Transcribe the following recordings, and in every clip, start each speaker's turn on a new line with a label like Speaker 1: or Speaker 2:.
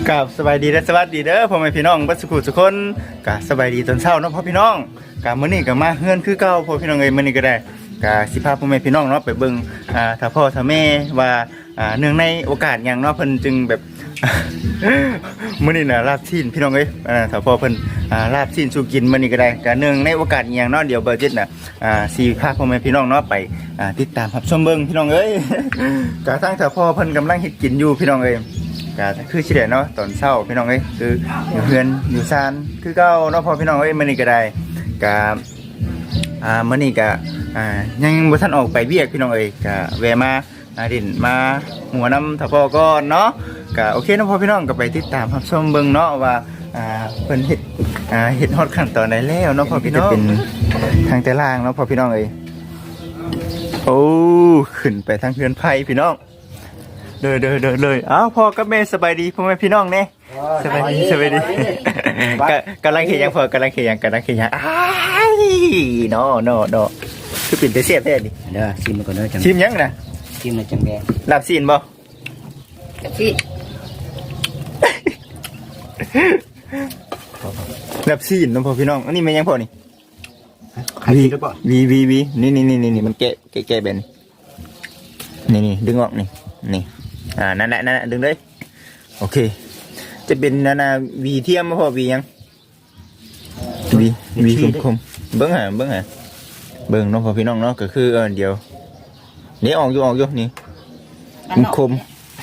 Speaker 1: กับสบายดีและสวัสดีเด้อพ่อแม่พี่น้องบัดสุขุทุกคนกับสบายดีตอนเช้าเนาะพ่อพี่น้องกับมื้อนี้ก็มาเฮือนคือเก่าพ่อพี่น้องเอ้ยมื้อนี้ก็ได้กับสิพาพ่อแม่พี่น้องเนาะไปเบิ่งถ้าพ่อถ้าแม่ว่าเนื่องในโอกาสหยังเนาะเพิ่นจึงแบบ มื้อนี้น่ะลาบชิ้นพี่น้องเอ้ยถ้าพ่อเพิ่นลาบชิ้นสู่กินมื้อนี้ก็ได้ก็เนื่องในโอกาสหยังเนาะเดี๋ยวเบอร์จิตน่ะสิพาพ่อแม่พี่น้องเนาะไปติดตามรับชมเบิ่งพี่น้องเอ้ย ก็ทั้งถ้าพ่อเพิ่นกำลังเฮ็ดกินอยู่พี่น้องเอ้ยก็คือสิได้เนาะตอนเช้าพี่น้องเอ้ยคืออยู่เฮือนอยู่ศาลคือเก่าเนาะพ่อพี่น้องเอ้ยมื้อนี้ก็ได้ก็มื้อนี้ก็ยังบ่ทันออกไปเวียกพี่น้องเอ้ยก็แวะมาดินมาหัวน้ำถ้าพ่อก่อนเนาะก็โอเคเนาะพ่อพี่น้องก็ไปติดตามรับชมเบิ่งเนาะว่าเพิ่นเฮ็ดฮอดขั้นตอนไหนแล้วเนาะพ่อพี่น้องเป็นทางแต่ล่างเนาะพ่อพี่น้องเอ้ยโอ้ขึ้นไปทางเฮือนไผพี่น้องเลยอ้าวพ่อกับแม่สบายดีพ่อแม่พี่น้องเนี่ยสบายดีกำลังเขียนพ่อกำลังเขียนอ้ายเนาะคือปิ่นแต่เสียบแท้ดิ
Speaker 2: เด้อชิมมันก่อนเด้อจัง
Speaker 1: ชิมยังนะ
Speaker 2: ชิมในจังแดง
Speaker 1: ลาบซีนบ่
Speaker 3: ที่
Speaker 1: ลาบซีนน้องพ่อพี่น้องอันนี้แม่ยังพ่อนี่
Speaker 2: ใครกินหรือเปล่า
Speaker 1: วีนี่มันแกะเป็นนี่ดึงออกนี่นั่นแหละดึงเลยโอเคจะเป็นวีเทียมพ่อวียังวีคมเบิ้งหาเบิ้งน้องพ่อพี่น้องเนาะก็คือเดี๋ยวนี่ออกอยู่นี่คม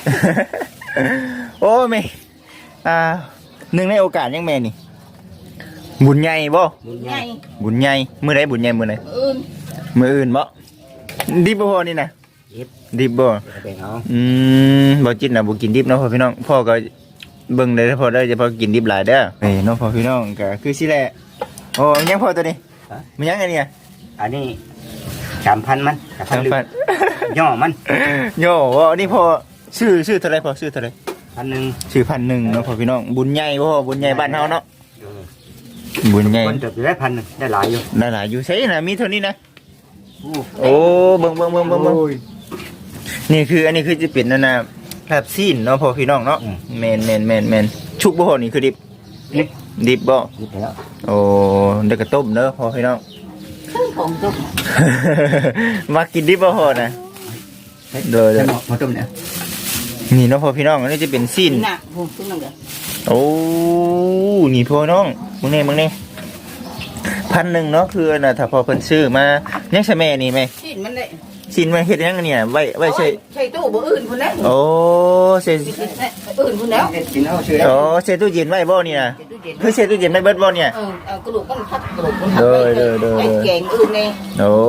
Speaker 1: โอ้แม่หนึ่งในโอกาสยังแม่นี่บุญใหญ่บ่
Speaker 3: ไง
Speaker 1: บุญใหญ่มื้อใดบุญใหญ่มื้อไหนมื้ออื่นบ่ดิบบ่พอนี่นะดิบบ่บ่จิตน่ะบ่กินดิบเนาะพ่อพี่น้องพ่อก็เบิ่งได้พ่อได้จะพอกินดิบหลายเด้อเอ้ยน้องพ่อพี่น้องก็คือสิแหละโอ้ยังพ่อตัวนี้มันยังไงเนี่ย
Speaker 2: อันนี้3,000มัน3,000ย่อมัน
Speaker 1: โย่ว่านี่พ่อชื่อเท่าไหร่พ่อชื่อเท่าไหร่
Speaker 2: 1,000
Speaker 1: ชื่อ1,000เนาะพ่อพี่น้องบุญใหญ่บ่บุญใหญ่บ้านเฮาเนาะบุญใหญ่
Speaker 2: คนจะได้1,000ได้หลายอยู่
Speaker 1: ได้หลายอยู่ใช่น่ะมีเท่านี้นะโอ้เบิ่งนี่คืออันนี้คือจะเป็นนั่นน่ะลาบซีนเนาะพ่อพี่น้องเนาะแม่นชุกบ่พ่อนี่คือดิบบ่
Speaker 2: กินแล้ว
Speaker 1: โอ้เด็กกระต้มเนอะพ่อพี่น้อง
Speaker 3: เครื่องของต้ม
Speaker 1: มากินดิบบ่พ่อนะเด้อ
Speaker 2: มาต้มเนี่ย
Speaker 1: นี่เนาะพ่อพี่น้องอันนี้จะเป็นซีน
Speaker 3: หนักผมขึ้นมาเลย
Speaker 1: โอ้นี่พ่อน้องมึงนี่1,000เนาะคือน่ะถ้าพ่อเพิ่นซื้อมายังใช่แม่นี่ไหม
Speaker 3: ชิ้นมันเลย
Speaker 1: ซีนมาเฮ็ดยังเนี่ยไว้ใช่
Speaker 3: ใช่ตู้บ่อื่นคนนั้น
Speaker 1: โอ้ใช่
Speaker 3: อื่นคนแล้ว
Speaker 2: กินเอาชื่อ
Speaker 1: โอ้ใส่ตู้เย็นไว้บ่นี่นะคือใส่ตู้เย็นไม่เบิดบ่เนี่ย
Speaker 3: กระดูกมันพัดกระดูกมันพัดไอ้แกงอื่นเนี่ย
Speaker 1: โอ้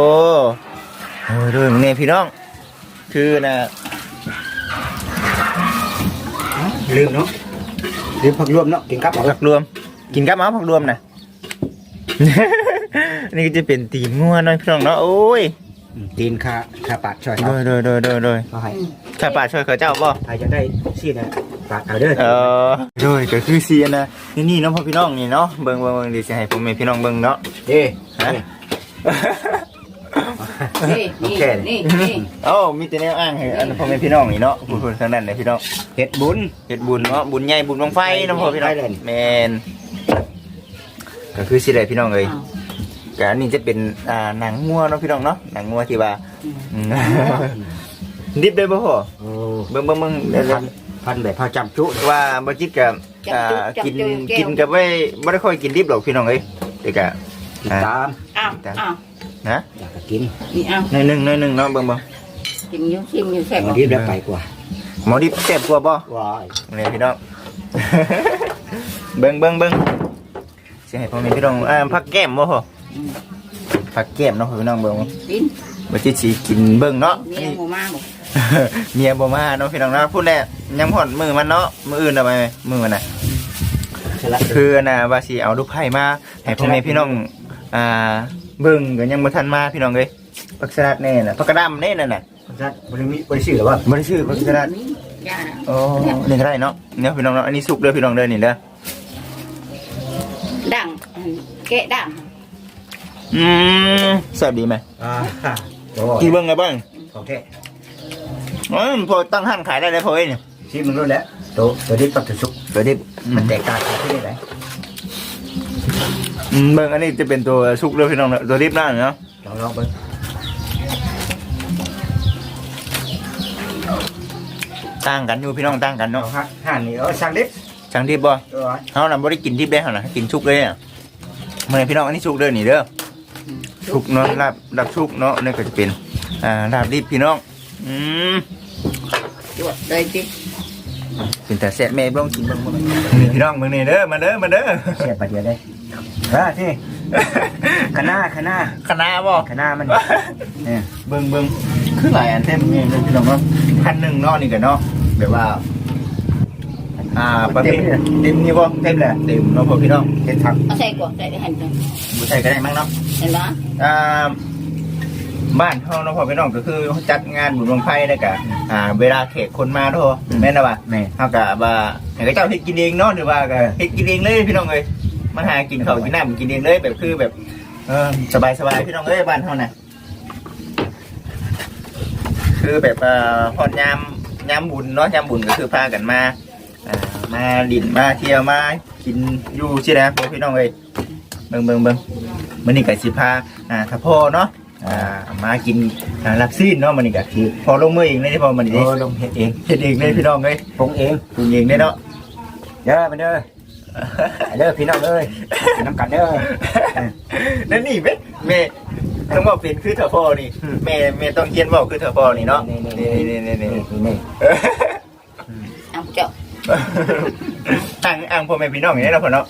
Speaker 1: มึงนี่พี่น้องคือน่ะ
Speaker 2: ลืมเนาะลืมผักรวมเนาะกินกับ
Speaker 1: ผักรวมกินกับผักรวมนะ นี่ก็จะเป็นตีนงัวน้อยพี่น้องเนาะโอ้ย
Speaker 2: ตีนขาปาดช่วยเขา
Speaker 1: โดย
Speaker 2: เขาให้
Speaker 1: ข้าป่าช่วยเขาเจ้าบ่
Speaker 2: ใครจะได้ซีนะปาดเอาเด้อ
Speaker 1: โดยก็คือเสียนะนี่เนาะพ่อพี่น้องนี่เนาะเบิ่งดิสิให้ผมให้พี่น้องเบิ่งเนาะ
Speaker 2: เด้
Speaker 1: ฮะ
Speaker 3: นี่
Speaker 1: เอ้ามีแต่แนวอ้างให้อันพ่อแม่พี่น้องนี่เนาะพูดทางนั้นเลยพี่น้อง
Speaker 2: เฮ็ดบุญ
Speaker 1: เฮ็ดบุญเนาะบุญใหญ่บุญบังไฟเนาะพ่อพี่น้องแม่นก็คือสิได้พี่น้องเอ้ยก็อันนี้จะเป็นหนังงัวเนาะพี่น้องเนาะหนังงัวที่ว่าดิบได้บ่พ่อ
Speaker 2: โอ้
Speaker 1: เบิ่ง
Speaker 2: พันแบบพาจำจุ
Speaker 1: ว่าบ่จิตกับกินกับไว้บ่ได้ค่อยกินดิบหรอกพี่น้องเอ้ยแต่ก็
Speaker 2: ติดตาม
Speaker 3: อ้าว
Speaker 1: นะ
Speaker 2: อยากกิน
Speaker 3: นี่อ้าว
Speaker 1: หน่อยหนึงเนาะเบิ่ง
Speaker 3: กินยุ่งชิมยุ่งแซ่บ
Speaker 2: วันนี้ได้ไปกว่า
Speaker 1: หมอดิบแซ่บกว่าบ่
Speaker 2: ว้าย
Speaker 1: นี่พี่น้อง เบิ่งสิให้พ่อแม่พี่น้องผักแก้มบ่พ่อผักแก้มเนาะพี่น้องเบิ่ง
Speaker 3: กิน
Speaker 1: บ่จิตสิกินเบิ่งเนาะ
Speaker 3: เมียหมูมาบอก
Speaker 1: เมียบ่มาเนาะพี่น้องเนาะพูดแหละยังผ่อนมือมันเนาะมืออื่นเอาไปมือมันน่ะคือน่ะว่าสิเอาลูกไผ่มาให้พ่อแม่พี่น้องเบิ่งก็ยังบ่ทันมาพี่น้องเอ้ยผักสลัดแน่น่ะผักกระดำแน่นั่นน่ะ
Speaker 2: บริสุทธิ์หรือว่า
Speaker 1: บ่ได้ชื่อผักสลัด
Speaker 3: ยา
Speaker 1: โอ้นี่ก็ได้เนาะเนี่ยพี่น้องเนาะอันนี้สุกเด้อพี่น้องเด้อนี่เด้อ
Speaker 3: ดังแกะดัง
Speaker 1: แซ่บดีไหม
Speaker 2: โอ้
Speaker 1: กี่เบิ่งไงบ้าง
Speaker 2: โอเค
Speaker 1: พอตั้งห้างขายได้เลยพอเอ้ยเนี่ย
Speaker 2: โชิมมันรู้แล้วตัวดิบกับตัวสุก
Speaker 1: ตัวดิบ
Speaker 2: มันแตกต่างกันที่ไหน
Speaker 1: เบิ่งอันนี้จะเป็นตัวสุกเลยพี่น้องตัวดิบนั่นเนาะ
Speaker 2: ลองไป
Speaker 1: ต่างกันอยู่พี่น้องต่างกัน
Speaker 2: เอา
Speaker 1: เนาะ
Speaker 2: ฮะห่านนี่สั่งดิบ
Speaker 1: จังดิบบ่
Speaker 2: ตัว
Speaker 1: เฮาน่ะบ่ได้กินดิบได้เฮาน่ะกินสุกเลยอ่ะมื้อนี้พี่น้องอันนี้สุกเด้อนี่เด้อสุกเนาะลาบสุกเนาะนี่ก็จะเป็นลาบดิบพี่น้อง
Speaker 3: จวดได้จิ
Speaker 1: เป็นแต่แซ่บแม่บ่ต้องกินเบิ่งนี่พี่น้องเบิ่งนี่เด้อมาเด้อ
Speaker 2: เสียบไปเดียวได้ที่คณะ
Speaker 1: คณะบ่
Speaker 2: คณะมันเนี่ย
Speaker 1: เบิ่งคือหลายอันเต็มนี่พี่น้องเนาะพันหนึ่งเนาะนี่ก็เนาะแบบว่าประเภทเต็มนี่บ่เต็มแหละเต็มเนาะพ่อพี่น้อง
Speaker 2: เห็ดผัก
Speaker 3: เอาใส่ก่อนใส่ได้หั่นจัง
Speaker 1: บ่ใส่ก็ได้มั้งเนาะ
Speaker 3: เห็นบ่
Speaker 1: บ้านเฮาเนาะพ่อพี่น้องก็คือจัดงานบุญบังไฟแล้วก็เวลาแขกคนมาเนาะแม่นบ่
Speaker 2: แม่
Speaker 1: เฮาก็ว่าให้เขาเจ้าเฮ็ดกินเองเนาะหรือว่าก็เฮ็ดกินเองเลยพี่น้องเอ้ยมาหากินข้าวกินน้ำกินเองเลยแบบคือแบบสบายๆพี่น้องเอ้ยบ้านเฮาน่ะคือแบบฮอดยามบุญเนาะยามบุญก็คือพากันมามาดินมาเที่ยวมากินอยู่สินะพ่อพี่น้องเอ้ยเบิ่งมื้อนี้ก็สิพาถ้าพ่อเนาะมากินลาบซีนเนาะมื้อนี้ก็คือพอลงมือเองเลยที่พอมื้อนี้
Speaker 2: ลงเห็ดเอง
Speaker 1: เฮ็ดเองเลยพี่น้องเอ้ย
Speaker 2: ปรุงเอง
Speaker 1: ปรุงเองได้เนาะ
Speaker 2: เด้อไปเด้อเด้อพี่น้องเอ้ยน้ำกันเด้อ
Speaker 1: นั่นนี่แม่ต้องบอกเป็นคือเถอะพ่อนี่แม่ต้องเขียนบอกคือเถอะพ่อนี่เนาะนี่
Speaker 2: นี่
Speaker 3: เอาเจ้า
Speaker 1: อ่างพ่อแม่พี่น้องอย่างนี้เนาะพ่อเนาะ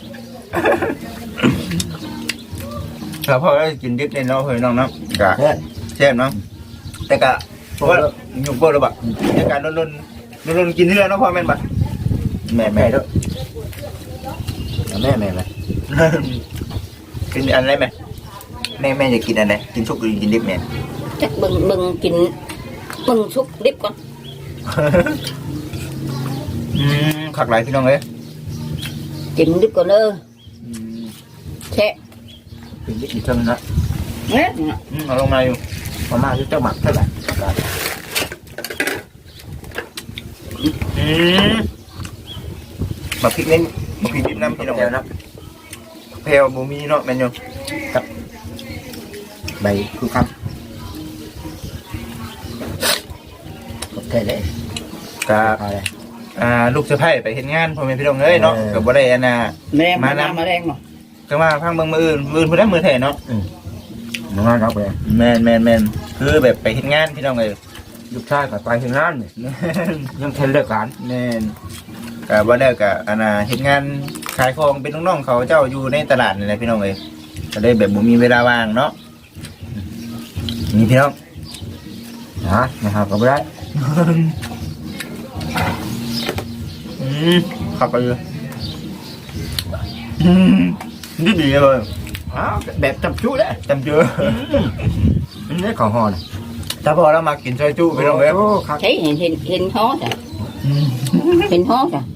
Speaker 1: แล้วพ่อก็กินดิบในเนาะพ่อพี่น้องเนาะกะแซ่บเนาะแต่กะเพราะว่าอยู่บ่ระบะในการรุนกินเรื่อยเนาะพ่อแม่นบ่แม่
Speaker 2: แม่ด้วยแม่ไหม
Speaker 1: กินอันไรแม่จะกินอันไหนกินชุกหรือกินดิบแม่
Speaker 3: จักเบิ่งกินเบิ่งสุกดิบก่อน
Speaker 1: ขักหลายพี่น้องเอ้ย
Speaker 3: กินดิบก่อนเด้อแช่
Speaker 2: เป็นวิธีทำนะ
Speaker 3: เอ๊ะ
Speaker 1: เอาลงมาอยู่
Speaker 2: ประมาณเจ้าหมักเท่าไหร่
Speaker 1: มาพริกเน้นมาพริกดิบน้ำพี่น้อง
Speaker 2: เดียวนะ
Speaker 1: เพลบูมีเนาะแมนยู
Speaker 2: ใบคือคำกดเทเลย
Speaker 1: กับ
Speaker 2: อะไร
Speaker 1: ลูกสะใภ้ไปเห็นงานพ่อแม่พี่น้องเอ้ยเนาะกับบ่ได้อันน่ะ
Speaker 3: แรงมาแรงบ่
Speaker 1: ก็มาพังเบิ่งมืออื่นเพิ่นได้มือแท้เนาะ
Speaker 2: น้องงานรับไป
Speaker 1: แม่นคือแบบไปเห็นงานพี่น้องเอ้ย
Speaker 2: ลูกชายกับไปถึงงานยังเทนเลิกการ
Speaker 1: แม่นกับบ่ได้กับอันน่ะเฮ็ดงานขายของเป็นน้องๆเขาเจ้าอยู่ในตลาดนี่แหละพี่น้องเอ้ยก็ได้แบบบ่มีเวลาว่างเนาะนี่พี่น้อง
Speaker 2: นะครับก็ไม่ได้
Speaker 1: ขับไปเลยดีเลย
Speaker 2: แบบจับจุได้
Speaker 1: จำเจอ
Speaker 2: นี่ของห่อนะ
Speaker 1: ถ้าพอเรามากินซอยจุพี่น้องเอ้ย
Speaker 2: ครับ
Speaker 3: ใช้เห็นฮ้อจ้ะเห็นฮ้อจ้ะ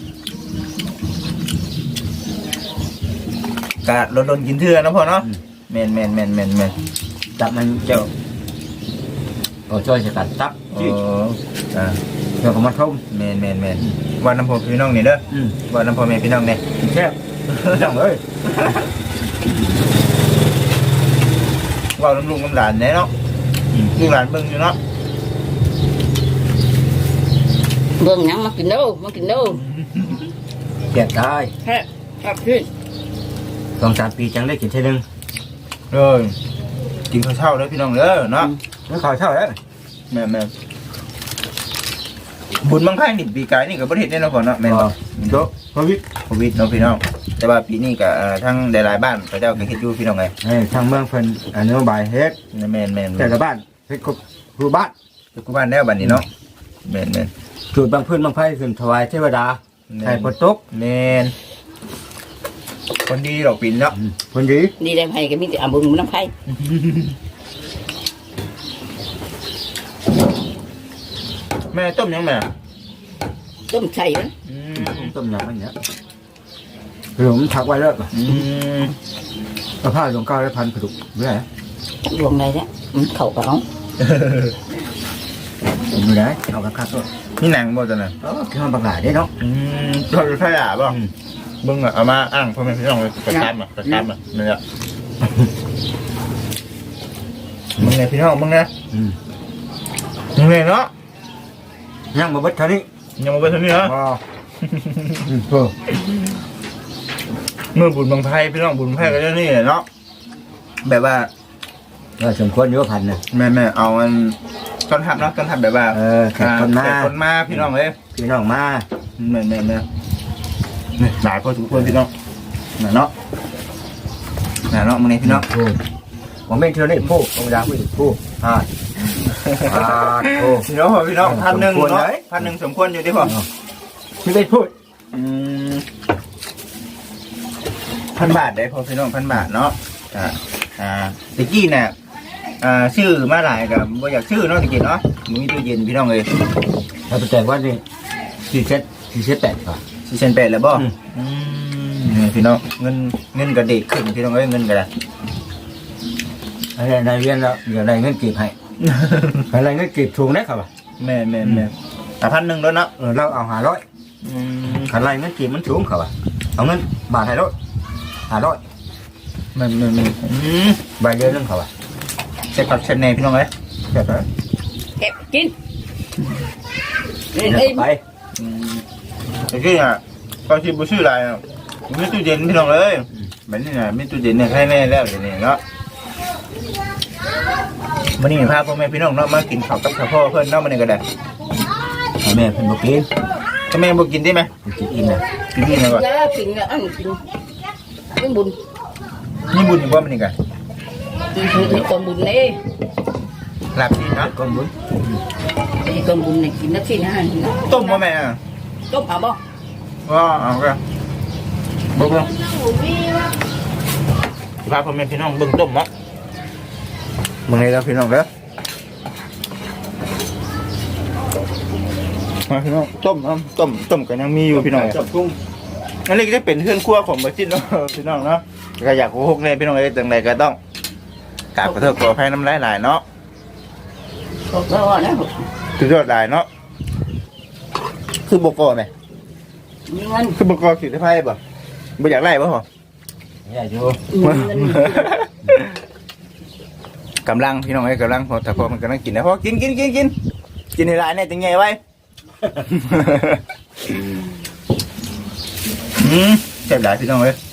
Speaker 1: กะโดนกินเถื่อนะพ่อเนาะแม่น
Speaker 2: จับมันเจ้าช่วยสกัดตับ เดี๋ยวก็มาทุ่ม
Speaker 1: แม่นวันน้ำพ่อพี่น้องนี่เด้อวันน้ำพ่อแม่พี่น้องนี่
Speaker 2: แซ่บจังเลย
Speaker 1: ว่าน้ำลุงน้ำหลานเนี่ยเนาะลูกหลานเบิ่งอยู่เนาะ
Speaker 3: เบิ่งหยังมากินเด้อมากินเด้อ
Speaker 2: เกลียดตาย
Speaker 3: แค่ครับพี่
Speaker 2: 2-3 ปีจังได้กินเท่นึง
Speaker 1: กินข้าวเช้าเด้อพี่น้องเด้อเนาะ
Speaker 2: ไม่ขอเท่าแล้ว
Speaker 1: แม่บุญบังคับนี่ปีกายนี่ก็บ่ได้เฮ็ดแน่เนาะพ่อเนาะแม่นบ่
Speaker 2: โตพวิท
Speaker 1: โควิดเนาะพี่น้องแต่ว่าปีนี้ก็ทั้งหลายๆบ้านเขาเจ้าก็เฮ็ดอยู่พี่น้องไง
Speaker 2: ทางเมืองเพิ่นอนุบายเฮ็ด
Speaker 1: แม่น
Speaker 2: แต่ละบ้านเฮ็ดครบทุกบ้าน
Speaker 1: ทุกบ้านแล้วบัดนี้เนาะแม่น
Speaker 2: จุดบางพื้นบางไผขึ้นถวายเทวดาให้ฝนตก
Speaker 1: แม่นคนดีดอกปิ่นเนาะ
Speaker 2: คนดี
Speaker 3: ดีได้ไผก็มีแต่เอาบุญน้ำไผ
Speaker 1: แม่ต้มยังแม่
Speaker 3: ต้มไข่มัน
Speaker 2: ต้มยำมันเนี่ยผมถักไว้แล้วเอาผ้าลงก้าวแล้วพันกระดูกไม่ได้
Speaker 3: ดวงใดเนี่ยมันเข้ากับเฮา
Speaker 2: อยู่ไหนเอากระคักด้วย
Speaker 1: นี่หนังบ่ตัวนั้น
Speaker 2: คือมันบักหลาได้เนาะ
Speaker 1: เราจะขยะบ่เบิ่งเอามาอ้างพ่อแม่พี่น้องเลยประจำนี่แหละมึงไงพี่น้องมึงไงมึงไงเนาะ
Speaker 2: ยังมาเบิดเท่านี้
Speaker 1: ยังมาเป็นเท่านี้เหรอ เมื่อบุญบังไพ่พี่น้องบุญบังไพ่ก็จะนี่เนาะแบบว่า
Speaker 2: สมควรอยู่พันนะ
Speaker 1: แม่เอามันต้นทับเนาะต้นทับแบบว่า
Speaker 2: แขกคนมา
Speaker 1: แขกคนมาพี่น้องเลย
Speaker 2: พี่น้องมา
Speaker 1: แม่หลายพอสมควรพี่น้องเนาะมึงไงพี่น้อง
Speaker 2: ผมเป็นเท่านี้ผู้องยาผู้ผู้ผู้
Speaker 1: พี่น้องพี่น้อง1,000เนาะ1,000สมควรอยู่ดิพ่อ
Speaker 2: ไม่ได้พูด
Speaker 1: 1,000 บาทได้พอพี่น้อง1,000 บาทเนาะตะกี้เนี่ยชื่อมาหลายกับบ่อยากชื่อเนาะตะกี้เนาะมึงมีตู้เย็นพี่น้องเลย
Speaker 2: ถ้าไปแต่ว่านี่478ค่ะ
Speaker 1: 4,800แล้วบ่พี่น้องเงินกระเด็กขึ้นพี่น้องเอ้ยเงินกระดาษ
Speaker 2: อะไรเรียนแล้วเดี๋ยวอะไรเงินเก็บให้อะไรเงินเก็บถูกนะครับ
Speaker 1: แม่1,000แล้วเนาะ
Speaker 2: เราเอา500อะไรเงินเก็บมันสูงครับเอาเงินบาทให้รถ500ใบเดียวนึงครับ
Speaker 1: ใส่ผักเชนเน่พี่น้องเอ้ย
Speaker 2: เก็บไป
Speaker 3: เก็บกิน
Speaker 2: ไป
Speaker 1: ตะกี้ก็ที่บ่ชื่ออะไรมีตู้เย็นพี่น้องเอ้ยแบบนี้น่ะมีตู้เย็นเนี่ยใครแน่แล้วเดี๋ยวนี้เนาะวันนี้พาพ่อแม่พี่น้องเนาะมากินข้าวกับพ่อเพิ่นเนาะมื้อนี้ก็ได้
Speaker 2: แม่เพิ่นบ่กิน
Speaker 1: ถ้าแม่บ่กินได้ไหม
Speaker 2: กินนะ
Speaker 1: กินนี่นะก่อน
Speaker 3: ยากินอันกินเป็นบุญ
Speaker 1: นี่บุญอยู่บ่มื้อนี้ก็
Speaker 3: มีคนบุญนี่
Speaker 1: ลาบดีเนาะ
Speaker 2: ก้อนบุญ
Speaker 3: มีคนบุญนี่กินนักที่นะ
Speaker 1: ต้มบ่แม่
Speaker 3: ต้มเอาบ่
Speaker 1: ก็เอาก็บ่พาพ่อแม่พี่น้องเบิ่งต้มเนาะมื้อนี้แล้วพี่น้องเด้อมาพี่น้องต้มก็ยังมีอยู่พี่น้อง
Speaker 2: จับกุ้ง
Speaker 1: นั่นเลยก็จะเป็นเครื่องครัวของบะจิตเนาะพี่น้องเนาะก็อยากโกหกเลยพี่น้องเลยจังไรก็ต้องกราบขอโทษขออภัยน้ำลายหลายเนาะ
Speaker 3: ก็ว่านะ
Speaker 1: สุดยอดหลายเนาะคือบกอไหม
Speaker 3: มีเงิน
Speaker 1: คือบกอขีดไพ่บ่บ่อยากไล่บ่หรอ
Speaker 2: อย่าอยู่
Speaker 1: กำลังพี่น้องไอ้กำลังพอแต่พอมันกำลังกินนะพอกินให้หลายเนี่ยจังไงไว้เจ็บหลายพี่น้องเลย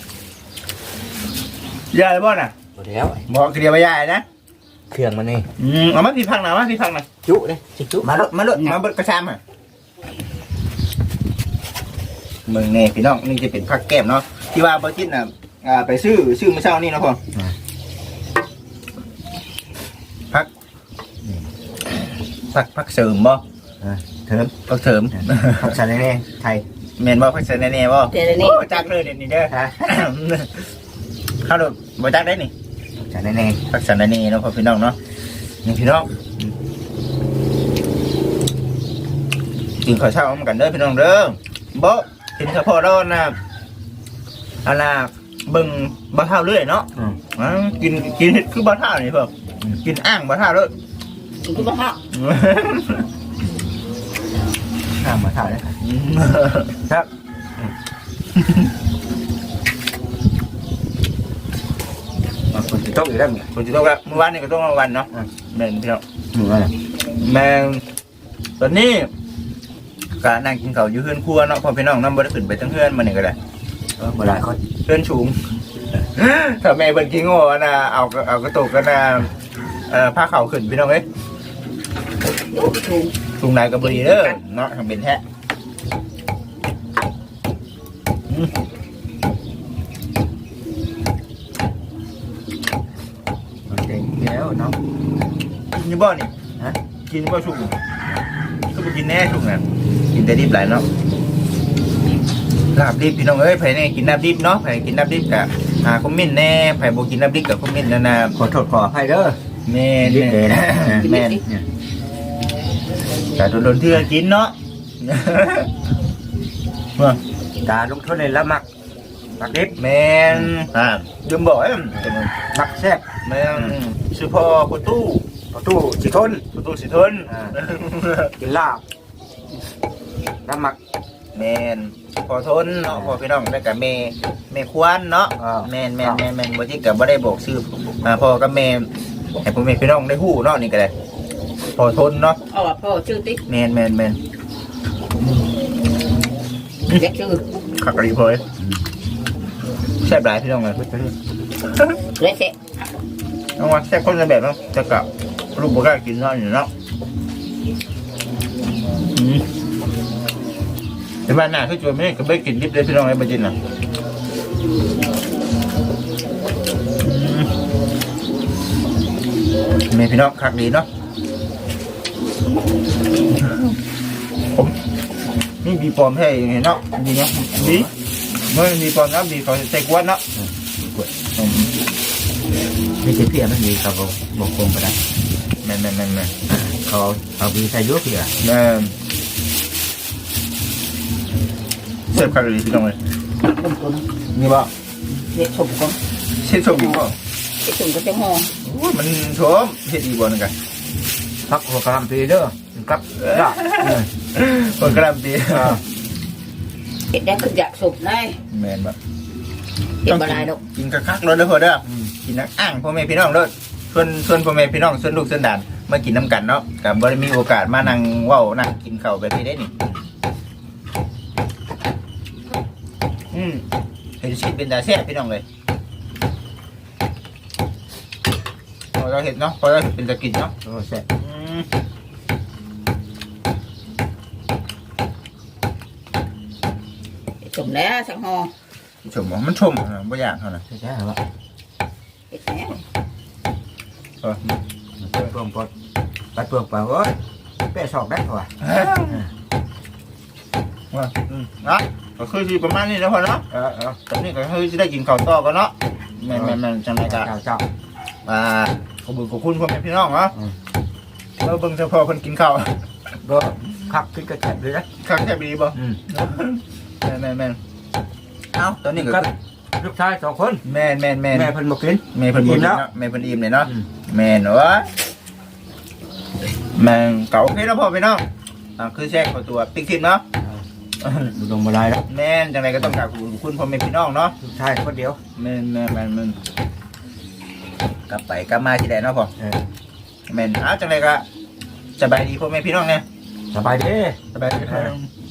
Speaker 1: ยายบ่น่ะ
Speaker 2: หมดแล้ว
Speaker 1: บอกเกลียวไปยายนะ
Speaker 2: เครื่องมันนี่
Speaker 1: เอามาพี่พังหน่อยมาพี่พังหน่อย
Speaker 2: จุเลยจุ
Speaker 1: มาลดมาเบิดกระชามอ่ะมึงเนี่ยพี่น้องนี่จะเป็นผักแก้มเนาะที่ว่าบอจิตน่ะไปซื้อเมื่อเช้านี่เนาะพ่อผักเสริมบ่
Speaker 2: เถิม
Speaker 1: ผักเสริม
Speaker 2: ผักชาแน่ไทย
Speaker 1: เมนบ่ผักเสริมแน่ๆบ่
Speaker 3: เดี๋ยวนี้
Speaker 1: บ่จักเลยเดี๋ยวนี้เด้อเข้าโดดบ่จักได้นี่
Speaker 2: ผักชาแน่
Speaker 1: ผักเสริมแน่ๆเนาะพ่อพี่น้องเนาะนี่พี่น้องกินข้าวเช้ากันเด้อพี่น้องเด้อบ่กินข้าวพอร้อนนะอันน่ะเบิ่งบ่เท่าเรื่อยเนาะกินเฮ็ดคือบ่เท่านี่เพิ่นกินอ่างบ่เท่าเลย
Speaker 3: คือบ้า
Speaker 2: ข้ามมาถ่ายเลยครับคนจะต้องอยู่ได้ไหม
Speaker 1: คนจะต้องละเมื่อวานนี่ก็ต้องวันเนาะแม่นพี่น้อง
Speaker 2: อะไร
Speaker 1: แม่งตอนนี้ก็นั่งกินข้าวอยู่เฮือนครัวเนาะพ่อพี่น้องนำบ่ได้ขึ้นไปทั้งเฮือนมานี่ก็ได้
Speaker 2: เวลาเขา
Speaker 1: เฮือนสูงถ้าแม่เพิ่นกินโง่นะเอากระตุกกันนะผ้าขาวขึ้นพี่น้องเอ้ย
Speaker 3: ถูก
Speaker 1: สูงไหนก็บ่ดีเด้อเนาะทำเป็นแท้
Speaker 2: เก่งแล้วเนาะ
Speaker 1: กินอยู่บ่นี่ฮะกินบ่สุกก็บ่กินแน่สุกน่ะกินแต่ดิบหลายเนาะลาบดิบพี่น้องเอ้ยไผเนี่ยกินลาบดิบเนาะไผกินลาบดิบกะคอมเมนต์แน่ไผบ่กินลาบดิบกะคอมเมนต์นะ
Speaker 2: ขอโทษขออภัยเด้อ
Speaker 1: แม่น
Speaker 2: ดิบเลยนะ
Speaker 1: แม่นแต่โดนเทื่อกินเนาะ
Speaker 2: การลงโทษในละมักดิบ
Speaker 1: แม่นลืมบอกไอ้
Speaker 2: มักแซ่บ
Speaker 1: แม่นชื่อพ่อคุณตู้
Speaker 2: ประตูสิทน
Speaker 1: ประตูสิทน
Speaker 2: กินลาบน้ำหมัก
Speaker 1: แมนพอทนเนาะพอพี่น้องได้กับแม่ควานเนาะ
Speaker 2: อ่า
Speaker 1: แมนบ่ที่กับบ่ได้บอกชื่อพ่อกับแม่ให้พ่อแม่พี่น้องได้ฮู้เนาะนี่ก็ได้พอทนเนาะ
Speaker 3: เอาว่าพ่อชื่อติ๊ก
Speaker 1: แมน
Speaker 3: เด็กชื่อ
Speaker 1: ขักกะหรี่พอยแซ่บหลายพี่น้องเลย
Speaker 3: เละเสะ
Speaker 1: น้องว่าแซ่บคนละแบบเนาะจะกับลูกบ่กล้ากินเนาะอยู่เนาะแต่บ้านหน้าคือจวนไม่ได้ก็ไม่กินดิบเลยพี่น้องไอ้บ่จินน่ะแม่พี่น้องคักดีเนาะผมนี่บีปลอมให้ยังไงเนาะดีเนาะดีเมื่อมีปลอมนะบีเขาใส่กวนเนาะ
Speaker 2: ไม่ใช่เพี้ยมันมีเขาบอกคงไปได้
Speaker 1: แม่น
Speaker 2: เขาเอาบีใส่ยุเพี้ย
Speaker 1: แม่นเสิร์ฟคักดีพี่น้องเลย
Speaker 3: คนคน
Speaker 1: นี่บ่
Speaker 3: เด็กชมคน
Speaker 1: เช็ดชมอีกบ่
Speaker 3: เด็กชมก็จะห่อ
Speaker 1: โอ้ยมันโถมเฮ็ดอีกบ่นึงกัน
Speaker 2: พักหัวกระลำปีเด้อกับลาบ
Speaker 1: คนกระลำปี
Speaker 3: เด็กได้ขึ้นอยากชมได้
Speaker 1: แม่นบ่
Speaker 3: เด็กบ่ได้ดอก
Speaker 1: กินคักๆเลยเด้อพ่อเด้อกินนักอ่างพ่อแม่พี่น้องเด้อส่วนพ่อแม่พี่น้องส่วนลูกส่วนหลานมากินน้ำกันเนาะก็บ่ได้มีโอกาสมานั่งเว้านั่งกินข้าวแบบนี้ได้นี่เห็นชีวิตเป็นตาแซ่บพี่น้องเลยพอเราเห็นเนาะพอเราเห็นเป็นตะกินเนาะ
Speaker 2: โอ้แซ่บ
Speaker 3: ชมแล้วสังห่อ
Speaker 1: ชมมันชมบ่อยากเท่านั้น
Speaker 2: ใช่ครับ
Speaker 3: เด็กแน่
Speaker 1: เออ
Speaker 2: เปลืองปดปัดเปลืองเปล่าโอ้ยแปะสอกได้เหรอ
Speaker 1: ว่านะก็คือสิประมาณนี้แล้วพอเนาะ ตอนนี้ก็คือสิได้กินข้าวต่อกันเนาะแม่นจังได๋ก็
Speaker 2: เจ้า
Speaker 1: ขอบคุณพ่อแม่พี่น้องเนาะเราเบิ่งเฉพาะเพิ่นกินข้าว
Speaker 2: ก็ขับขึ้นกระแทกเลยนะ
Speaker 1: คักแค่บีบ่แม่นเอ้าตอนนี้ก็
Speaker 2: ลูกชาย2 คน
Speaker 1: แม่น
Speaker 2: แม่เพิ่นบอกกิน
Speaker 1: แม่เพิ่นอิ่มแล้วแม่เพิ่นอิ่มเลยเนาะแม่นเอ้ยแม่งเก่าโอเคแล้วพ่อพี่น้องคือแทรกเข้าตัวติ๊กทิมเนาะ
Speaker 2: บุดงบลายแล้ว
Speaker 1: แม่นจังไดก็ต้องกราบขอบคุณพ่อแม่พี่น้องเนาะ
Speaker 2: ลูกชายคนเดียว
Speaker 1: แม่นกลับไปกลับมาที่ใดเนาะพ่อแม่นจังไดก็สบายดีพ่อแม่พี่น้องเนี่ย
Speaker 2: สบายดี
Speaker 1: สบายดีครับ